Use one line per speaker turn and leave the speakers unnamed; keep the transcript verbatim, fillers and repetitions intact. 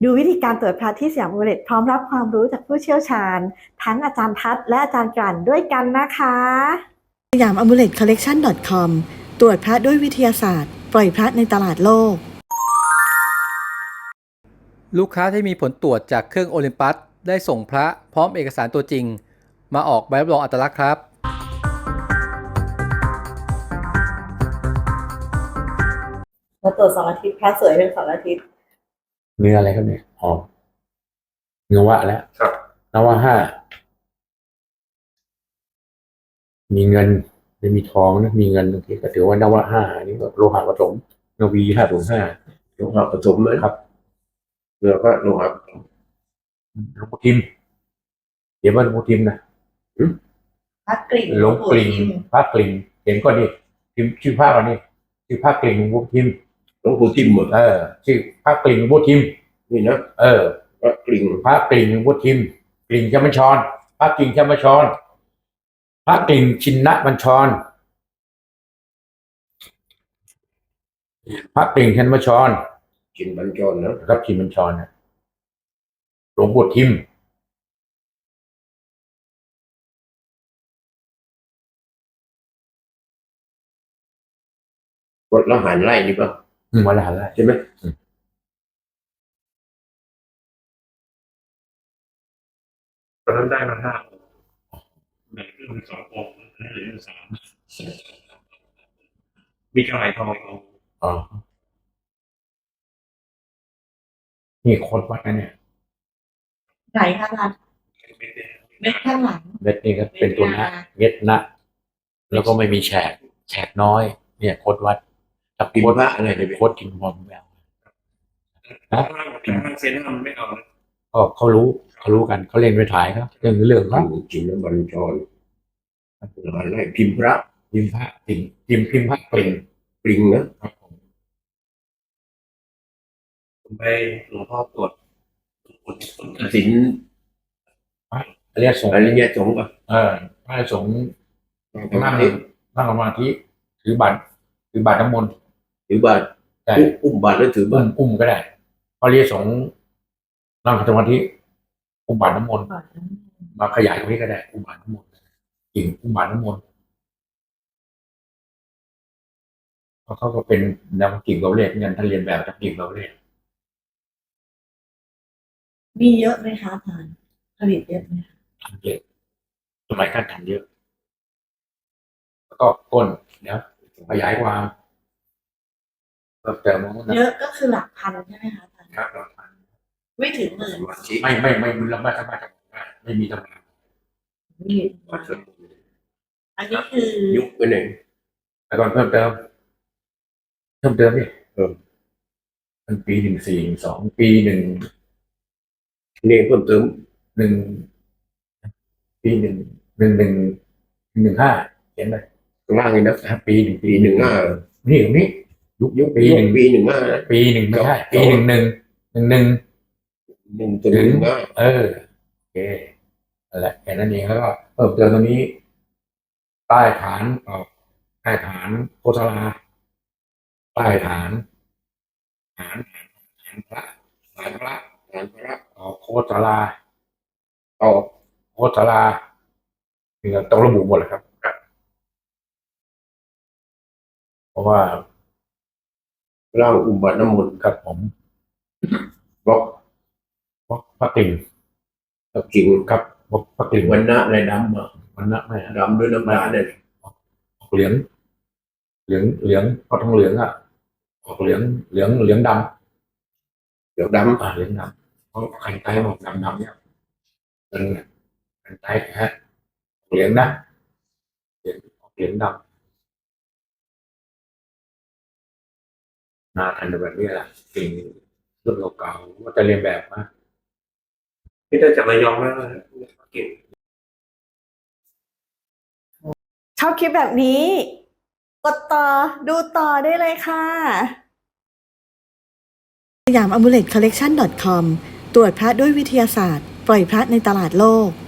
ดูวิธีการตรวจพระที่สยามอุเรตพร้อมรับความรู้จากผู้เชี่ยวชาญทั้งอาจารย์ทัศน์และอาจารย์กลั่นด้วยกันนะคะสยามอ m มูเลตคอลเลกชัน .com ตรวจพระด้วยวิทยาศาสตร์ปล่อยพระในตลาดโลก
ลูกค้าที่มีผลตรวจจากเครื่องโอลิมปัสได้ส่งพระพร้อมเอกสารตัวจริงมาออกใบรับรองอัตลักษณ์ครับ
มาตรวจสองอาทิตย์พระสวยเป็นสองอาทิตย์
เนื้ออะไรครับเนี่ยอ๋อเนื้อวะแล้วครับนวะห้ามีเงินไม่มีทองนะมีเงินบางทีก็ถือว่านวะห้านี่ก็โลหะผสมนวีห้าถึงห้าโลหะผสมเลยครับเนื้อก็โลหะหลวงปู่ทิมเดี๋ยวว่าหลวงปู่ทิมนะ
พระกลิ่ง
หลวงกลิ่งพระกลิ่งเห็นก็นี่ทิมชื่อพระวันนี้ชื่อพระกลิ่งหลวงปู่ทิมหลวงปู่ทิมเออชื่อพระกลิ่งหลวงปู่ทิมนี่นะเออพระกลิ่งพระกลิ่งหลวงปู่ทิมกลิ่งชมชรพระกลิ่งชมชรพระกลิ่งชินบัญชรพระกลิ่งชินบัญชรชินบัญชรนะครับชินบัญชรนะหลวงปู่ทิมวัดละหารไร่นี่ป่ะอืมวัดละหารไร่ใช่ไหม
ตอนนั้นได้มาห้าแบ่งครึ่งเป็นสององค์เหลือสามมีกระไรทองเอา
อ๋อนี่โคตรวัดนะเนี่ย
ไหนคะอาจารย์เม็ดข้างหลัง
เม็ดนี่ก็เป็นตัวนะเม็ดนะแล้วก็ไม่มีแฉกแฉกน้อยเนี่ยโคตรวัดกับโคตรพระอะไรเนี่ยโคตรกินบอมแวว
นะพิมพ์เซนทำไม่เอา
ก็เขารู้เขารู้กันเขาเล่นไปถ่ายครับเรื่องเรื่องครับ
จริงแล้วบรรจรอะไรพิมพ์พระ
พิมพ์พระพิมพ์พิมพ์พิมพ์พระปริง
ปริงนะครับผมไปหลวงพ่อตรวจศิลป์
อริยสงฆ์
อริยสงฆ์ป่ะ
เออพระสงฆ์นั่งนั่งสมาธิถือบัตรถือบัตรน้ำมนต์
ถือบัตร
ได้
อุ้มบัตรแล้วถือบัตร
อุ้มก็ได้พระอริยสงฆ์นั่งสมาธิอุ้มบัตรน้ำมนต์มาขยายตรงนี้ก็ได้อุ้มบัตรน้ำมนต์จริงอุ้มบัตรน้ำมนต์เพราะเขาก็เป็นนักกิ่งเราเรียกเงินท่านเรียนแบบนักกิ่งเราเรียก
มีเยอะไหมคะอาจารย์ผลิตเยอะไหมคะ
เยอะสมัยการทำเยอะแล้วก็ก้นเดี๋ยวขยายความก็เติม
เยอะก็คือหลักพันใช่ไหมคะอาจารย์
ครับหลักพัน
ไม่ถึงหมื่น
ไม่ไม่ไม่ไม่เราไม่สามารถจะบอกได้ไม่มีตำรา
อันนี้คือ
ยุคไปหนึ่ง
แต่ก่อนเพิ่มเติมเพิ่มเติมนี่เพิ่มมันปีหนึ่งสี่สองปีหนึ่ง
นี่เพิ่มเติม
หนึ่งปีหนึ่งหนึ่งหนึ่งหนึ่งห้าเห็นไหม
ข้างล่างนี่นะ
ปีหนึ่ง
ปีหนึ่งห้า
นี่ตรงนี้ยุคยุคปีหนึ่ง
ปีหนึ่งห้า
ปีหนึ่งไม่ใช่ปีหนึ่งหนึ่งหนึ่งหนึ่ง
หนึ่งตัวหนึ่งห้า
เออโอเคอะไรแค่นั้นเองแล้วก็เพิ่มเติมตรงนี้ใต้ฐานออกใต้ฐานโคตรลาใต้ฐานฐานฐานพระฐานพระฐานพระออกโคตรลาออกโคตรลานี่ก็ต้องระบุหมดเลยครับเพราะว่า
ร่างอุบัติน้ำมนต์
ครับผมบล็อกบล็อกพระกลิ่ง
พระกลิ่ง
ครับบล็อกพระกลิ่ง
วันนะอะไรดำอ่ะ
วันนะไม่
ดำด้วยน้ำตาเนี่ย
เหลืองเหลืองเหลืองพอทองเหลืองอ่ะออกเหลืองเหลืองเหลืองด
ำเหลืองด
ำอ่าเหลืองดำเพราะขันไตออกดำดำเนี่ยเป็นขันไตฮะเหลืองนะเหลืองเหลืองดำนาทันแบบนี้แหละสิ่งรุ่นเก่าๆว่าจะเรียนแบบนะ
ที่ได้จากระยองแล้วเก่ง
ชอบคลิปแบบนี้กดต่อดูต่อได้เลยค่ะสยามอ m มูเลตคอลเลกชัน .com ตรวจพระด้วยวิทยาศาสตร์ปล่อยพระในตลาดโลก